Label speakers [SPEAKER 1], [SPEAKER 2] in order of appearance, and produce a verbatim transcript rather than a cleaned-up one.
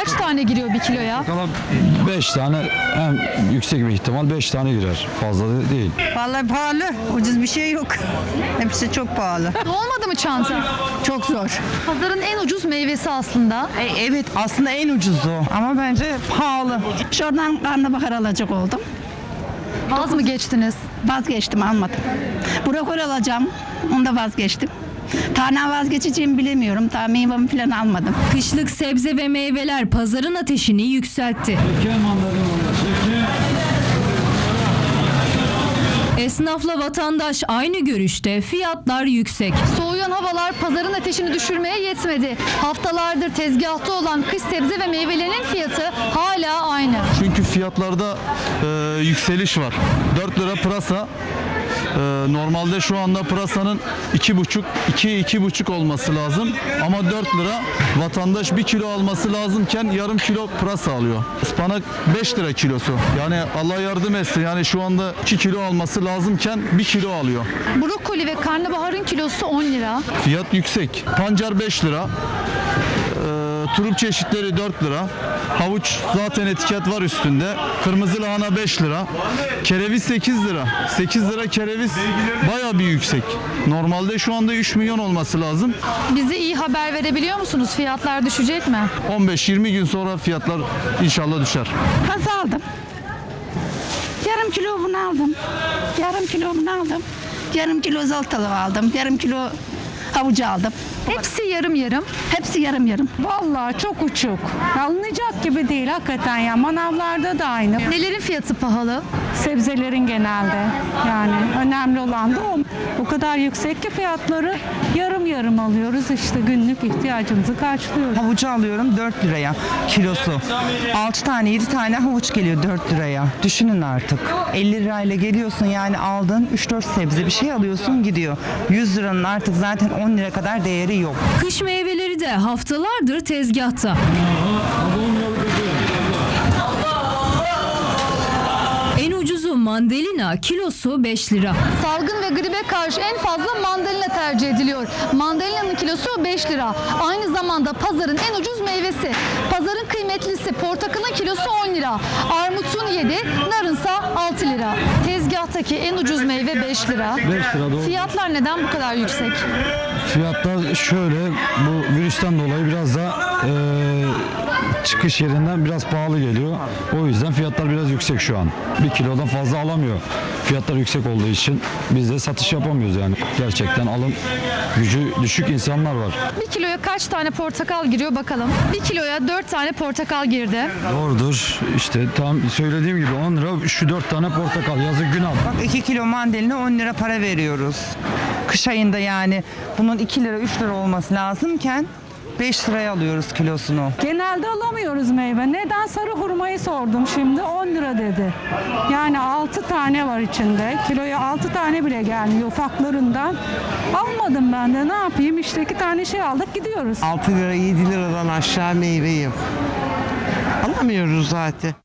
[SPEAKER 1] kaç tane giriyor bir kiloya?
[SPEAKER 2] beş tane, en yüksek bir ihtimal beş tane girer. Fazla da değil.
[SPEAKER 3] Vallahi pahalı. Ucuz bir şey yok. Hepsi çok pahalı.
[SPEAKER 1] Olmadı mı çanta?
[SPEAKER 3] Çok zor.
[SPEAKER 1] Pazarın en ucuz meyvesi aslında.
[SPEAKER 3] E, evet aslında en ucuzu ama bence pahalı. Şuradan karnabahar alacak oldum.
[SPEAKER 1] Az mı geçtiniz?
[SPEAKER 3] Vazgeçtim almadım. Brokoli alacağım. Onu da vazgeçtim. Tane vazgeçeceğimi bilemiyorum. Daha meyvemi falan almadım.
[SPEAKER 4] Kışlık sebze ve meyveler pazarın ateşini yükseltti. Esnafla vatandaş aynı görüşte, fiyatlar yüksek.
[SPEAKER 1] Soğuyan havalar pazarın ateşini düşürmeye yetmedi. Haftalardır tezgahta olan kış sebze ve meyvelerinin fiyatı hala aynı.
[SPEAKER 5] Çünkü fiyatlarda e, yükseliş var. dört lira pırasa. E, normalde şu anda pırasanın iki buçuk, iki iki buçuk olması lazım. Ama dört lira vatandaş bir kilo alması lazımken yarım kilo pırasa alıyor. Ispanak beş lira kilosu. Yani Allah yardım etsin. Yani şu anda iki kilo alması lazımken bir kilo alıyor.
[SPEAKER 1] Brokoli ve karnabaharın kilosu on lira.
[SPEAKER 5] Fiyat yüksek. Pancar beş lira. E, turp çeşitleri dört lira. Havuç zaten etiket var üstünde. Kırmızı lahana beş lira. Kereviz sekiz lira. sekiz lira kereviz bayağı bir yüksek. Normalde şu anda üç milyon olması lazım.
[SPEAKER 1] Bize iyi haber verebiliyor musunuz? Fiyatlar düşecek mi?
[SPEAKER 5] on beş yirmi gün sonra fiyatlar inşallah düşer.
[SPEAKER 3] Kaz aldım. Yarım kilo bunu aldım. Yarım kilo bunu aldım. Yarım kilo zoltalık aldım. Yarım kilo havucu aldım.
[SPEAKER 1] Hepsi yarım yarım.
[SPEAKER 3] Hepsi yarım yarım.
[SPEAKER 6] Vallahi çok uçuk. Alınacak gibi değil hakikaten ya. Manavlarda da aynı.
[SPEAKER 1] Nelerin fiyatı pahalı?
[SPEAKER 6] Sebzelerin genelde. Yani önemli olan da o. O kadar yüksek ki fiyatları yarım yarım alıyoruz. İşte günlük ihtiyacımızı karşılıyoruz.
[SPEAKER 7] Havucu alıyorum dört liraya kilosu. altı tane yedi tane havuç geliyor dört liraya. Düşünün artık. elli lirayla geliyorsun yani aldığın üç dört sebze bir şey alıyorsun gidiyor. yüz liranın artık zaten on lira kadar değeri yok.
[SPEAKER 4] Kış meyveleri de haftalardır tezgahta. En ucuzu mandalina, kilosu beş lira.
[SPEAKER 1] Salgın ve gribe karşı en fazla mandalina tercih ediliyor. Mandalina'nın kilosu beş lira. Aynı zamanda pazarın en ucuz meyvesi. Pazarın kıymetlisi portakalın kilosu on lira. Armutun yedi, narınsa altı lira. Tezgahtaki en ucuz meyve beş lira.
[SPEAKER 2] beş lira doğru.
[SPEAKER 1] Fiyatlar neden bu kadar yüksek?
[SPEAKER 2] Fiyatlar şöyle, bu virüsten dolayı biraz da eee, çıkış yerinden biraz pahalı geliyor. O yüzden fiyatlar biraz yüksek şu an. Bir kilodan fazla alamıyor. Fiyatlar yüksek olduğu için biz de satış yapamıyoruz yani. Gerçekten alım gücü düşük insanlar var.
[SPEAKER 1] Bir kiloya kaç tane portakal giriyor bakalım. Bir kiloya dört tane portakal girdi.
[SPEAKER 2] Doğrudur. İşte tam söylediğim gibi on lira şu dört tane portakal. Yazık günah.
[SPEAKER 7] Bak iki kilo mandalina on lira para veriyoruz. Kış ayında yani bunun iki lira üç lira olması lazımken beş liraya alıyoruz kilosunu.
[SPEAKER 6] Genelde alamıyoruz meyve. Neden? Sarı hurmayı sordum şimdi on lira dedi. Yani altı tane var içinde. Kiloya altı tane bile gelmiyor ufaklarından. Almadım ben de ne yapayım işte iki tane şey aldık gidiyoruz.
[SPEAKER 8] altı lira yedi liradan aşağı meyve yok. Alamıyoruz zaten.